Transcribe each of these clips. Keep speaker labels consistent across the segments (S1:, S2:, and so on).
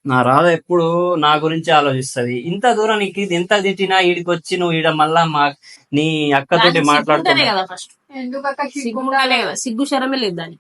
S1: నా రాధ ఎప్పుడు నా గురించి ఆలోచిస్తది. ఇంత దూరం నీకు ఇది ఎంత తిట్టినా ఈడికి వచ్చి నువ్వు ఈడ మళ్ళా నీ అక్కతోటి
S2: దానికి సిగ్గుంటేనే
S1: మాట్లాడుతున్నా.
S2: కదా ఫస్ట్
S3: ఎందుకక్క
S2: సిగ్గుండాలే కదా, సిగ్గు శరమే లేదు దానికి.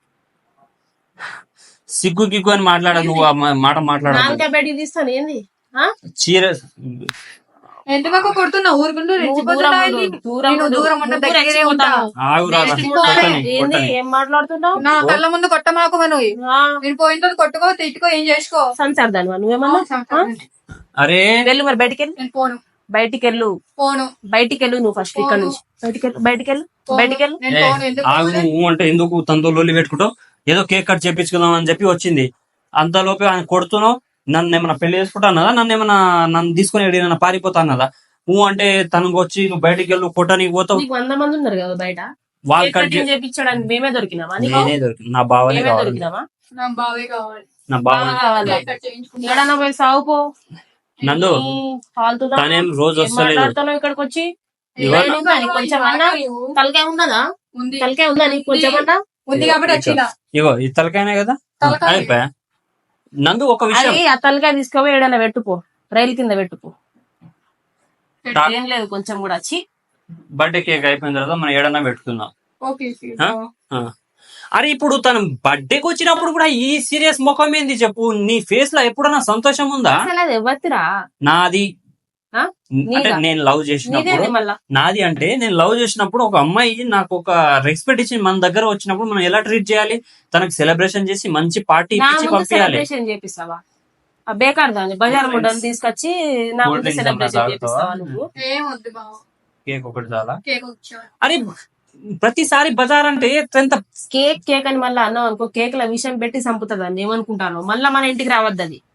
S1: సిగ్గు గిగ్గు అని మాట్లాడ నువ్వు ఆ మాట మాట్లాడదు.
S2: నాలుక బయటికి తీస్తాను ఏంది ఆ?
S1: చీర
S3: ఎందుకక్క కొడుతున్నావు? ఊరుకుంటూ
S2: నువ్వు దూరం ఉండు, దూరం
S3: నేను
S2: ఉండు.
S3: దూరం ఉన్న
S2: నువ్వు
S3: దగ్గరే
S2: రెచ్చిపోతావు.
S3: ఉంటా.
S1: ఆగు రాధ,
S2: ఏంది
S1: కొట్టని.
S2: ఏం మాట్లాడుతున్నావు?
S3: నా కళ్ళ ముందు కొట్టమాకు నువ్వు.
S2: ఆ,
S3: నేను పోయిన తర్వాత కొట్టుకో, తిట్టుకో, ఏం చేసుకో.
S2: సంసార్ దానివా నువ్వేమన్నా?
S1: అరే
S2: వెళ్ళు మరి బయటికి వెళ్ళు,
S3: నేను పోను
S2: బయటికి వెళ్ళు,
S3: పోను
S2: బయటికి వెళ్ళు నువ్వు ఫస్ట్ ఇక్కడ నుంచి. బయటికి వెళ్ళు, బయటికి వెళ్ళు, బయటికి వెళ్ళు.
S3: నేను పోను. ఎందుకు
S1: ఆగు, నువ్వు అంటే ఎందుకు తనతో లొల్లి పెట్టుకుంటావు? ఏదో కేక్ కట్ చేపించుకుందాం అని చెప్పి వచ్చింది. అంతలోపే ఆయన కొడుతున్నావు. నన్ను ఏమన్నా పెళ్లి చేసుకుంటా అన్నదా? నన్ను తీసుకుని ఏమైనా పారిపోతా అన్నదా? నువ్వు అంటే తనకు వచ్చి నువ్వు బయటికి వెళ్ళు కొట్టడానికి పోతావు.
S2: నీకు 100 మంది ఉన్నారు కదా బయట,
S1: వాళ్ళు
S2: కేక్
S1: కట్
S2: కటింగ్ చేపించడానికి మేమే దొరికినావా నీకు?
S1: నేనే దొరికి నా బావనే
S2: మేమే
S1: కావాలి.
S2: దొరికినావా?
S3: నా బావే కావాలి.
S1: నా బావ
S2: కావాలి.
S3: కట్ చేయించుకుంటా.
S2: ఎక్కడన్నా పోయి సాగుపో.
S1: నందు
S2: ఫాల్తుదా?
S1: తనేం రోజు
S2: ఏం
S1: వస్తలేదు.
S2: మాట్లాడుతున్నావు ఇక్కడికి వచ్చి?
S1: ఇవాళ
S2: ఏమైనా ఉందా నీకు కొంచెమన్నా? తలకాయ ఉన్నదా?
S3: ఉంది
S2: తలకాయ ఉందా నీకు కొంచెమన్నా?
S3: ఉంది కాబట్టి వచ్చిన
S1: ఇగో ఈ తలకాయనే కదా
S3: తలకాయ.
S1: అయిపోయా. నందు ఒక విషయం,
S2: అది ఆ తలకాయ తీసుకోవో ఏడైనా పెట్టుకో, రైలు కింద పెట్టుకో. ఏం లేదు కొంచెం కూడా వచ్చి.
S1: బర్త్డే కేక్ అయిపోయిన తర్వాత మనం ఏడన్నా పెట్టుకుందాం.
S3: ఓకే
S1: ఆ? అరే ఇప్పుడు తను బర్త్డేకి వచ్చినప్పుడు కూడా ఈ సీరియస్ ముఖం ఏంది చెప్పు? నీ ఫేస్ లో ఎప్పుడన్నా సంతోషం ఉందా?
S2: అసలు అది ఎవరిరా?
S1: నాది
S2: ఆ?
S1: అంటే
S2: నీదా?
S1: నేను లవ్ చేసినప్పుడు,
S2: నీదేంది మళ్ళా?
S1: నాది అంటే నేను లవ్ చేసినప్పుడు ఒక అమ్మాయి నాకు ఒక రెస్పెక్ట్ ఇచ్చి మన దగ్గర వచ్చినప్పుడు మనం ఎలా ట్రీట్ చేయాలి? తనకు సెలబ్రేషన్ చేసి మంచి పార్టీ
S2: నా
S1: ఇచ్చి
S2: ముందు
S1: పంపించాలి.
S2: సెలబ్రేషన్ చేపిస్తావా? ఆ బేకార్ దాన్ని బజార్ ముడ్డని తీసుకొచ్చి నా
S1: Cold
S2: ముందు
S1: drinks
S2: సెలబ్రేషన్
S1: ఏమన్నా
S2: చేపిస్తావా
S1: తాగుతావా?
S2: నువ్వు?
S3: ఏం వద్దు బావ.
S1: కేక్ ఒకటి చాలా.
S3: కేక్ వచ్చా.
S1: అరే ప్రతిసారి బజార్ అంటే ఎంత
S2: కేక్ కేక్ అని మళ్ళీ అన్నావు అనుకో, కేక్ ల విషయం పెట్టి చంపుతుంది అని ఏమనుకుంటాను. మళ్ళా మన ఇంటికి రావద్దు అది.